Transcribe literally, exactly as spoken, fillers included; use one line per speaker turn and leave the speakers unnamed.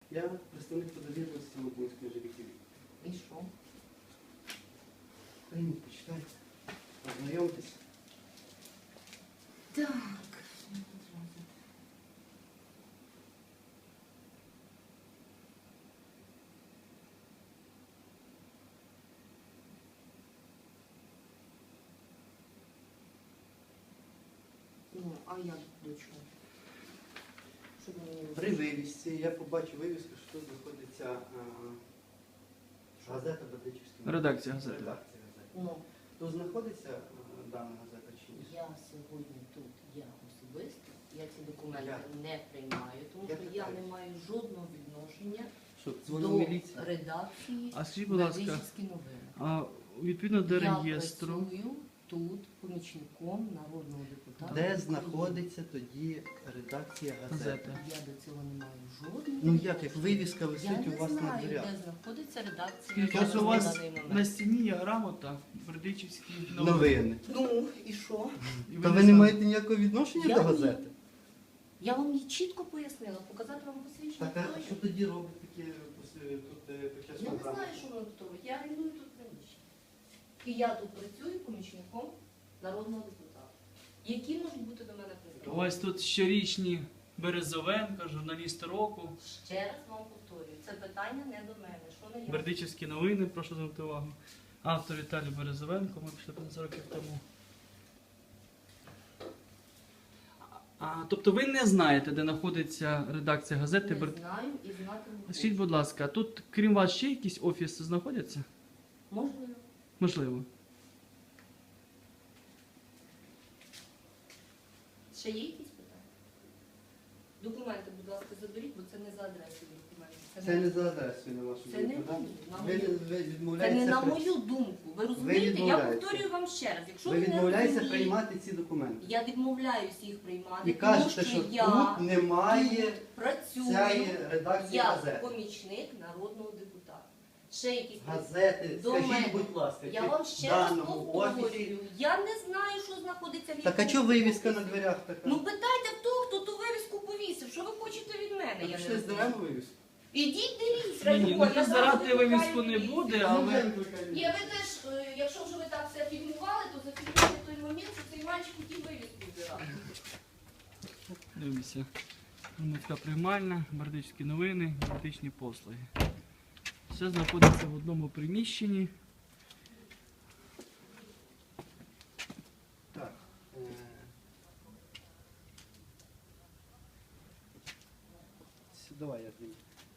Я представник по довірності Лубунської ЖВК.
І що?
Прийміть, почитайте. Ознайомтесь.
Так. Ну, а я до чого? Щоб мені не
При вивісці я побачив вивіску, що тут знаходиться а, газета Бердичівський.
Редакція газети.
Редакція газети.
Ну,
Тут знаходиться а, дана газета чи ні?
я сьогодні тут, я особисто, я ці документи
Я.
не приймаю, тому
Я
що я
питаюсь.
не маю жодного відношення
Що, дзвонив
до
міліції?
редакції
А скажіть, будь ласка,
Бердичівські новини.
а відповідно до
Я
реєстру,
працюю тут помічником народного депутата.
Де
України.
знаходиться тоді редакція газети?
газета.
Я до цього не маю жодного.
Ну як, як вивіска
Я
висить у
не
вас на
знаю,
дверях?
де знаходиться редакція.
Скільки
зараз
ось у
на
вас
даний момент.
на стіні є грамота, Бердичівські новини.
Новини.
Ну, і що?
І
Та ви не
знаєте-
маєте ніякого відношення
Я
до
ні.
газети?
Я вам її чітко пояснила, показати вам посвідчення.
Так, а
хто
що
я?
тоді робить такі пос- тут е, під час
Я не
програми?
знаю, що воно тут робить. Я орендую тут приміщення. І я тут працюю помічником народного депутата. Які можуть бути до мене
У
питання?
вас тут щорічні Березовенка, журналісти року,
Ще раз вам повторюю, це питання не до мене. Що не я?
Бердичівські новини, прошу звернути увагу. Автор Віталій Березовенко, ми пішли п'ятнадцять років тому. А, тобто ви не знаєте, де знаходиться редакція газети
Не
Бер...
знаю і знати не
Скажіть,
хочу.
будь ласка, тут крім вас ще якісь офіси знаходяться?
Можливо.
Можливо.
Ще є якісь питання? Документи, будь ласка, заберіть, бо це не за адресою документи.
Це не за адресою на вашу
Це не
думку, так?
мою, на
Ви,
мою.
ви
Це не
відмовляєтеся,
на
при-
мою думку. Ви розумієте? Я
відмовляєтеся.
повторюю вам ще раз. Якщо
ви
ви не
відмовляєтеся
розумієте,
приймати ці документи.
я відмовляюсь їх приймати,
І
тому
кажете,
що
що
я
тут немає
тут працюю,
цієї редакції
я
газети.
помічник народного депутата. Ще якісь
Газети,
До
скажіть,
мене.
будь ласка,
Я
чи
вам
в
ще раз
даному офісі...
повторюю. Я не знаю, що знаходиться в
Так а
якому
чого вивіска
офісі.
на дверях така?
Ну питайте в того, хто ту вивіску повісив. Що ви хочете від мене?
Так
Я
пішли
не
здеремо
розумію.
вивіску?
Ідіть дивіться,
Ні, ні,
раді
ну
Бога, я
здирати
завжди
вивіску не
викликаю
буде,
міліцію.
але-
Ні, ви теж, е, якщо вже ви так все фільмували, то зафільмуйте той момент, що цей мальчик хотів вивіску збирати.
Дивимося. Громадська приймальна, Бердичівські новини, юридичні послуги. Все знаходиться в одному приміщенні.
Так. е, Давай я зніму.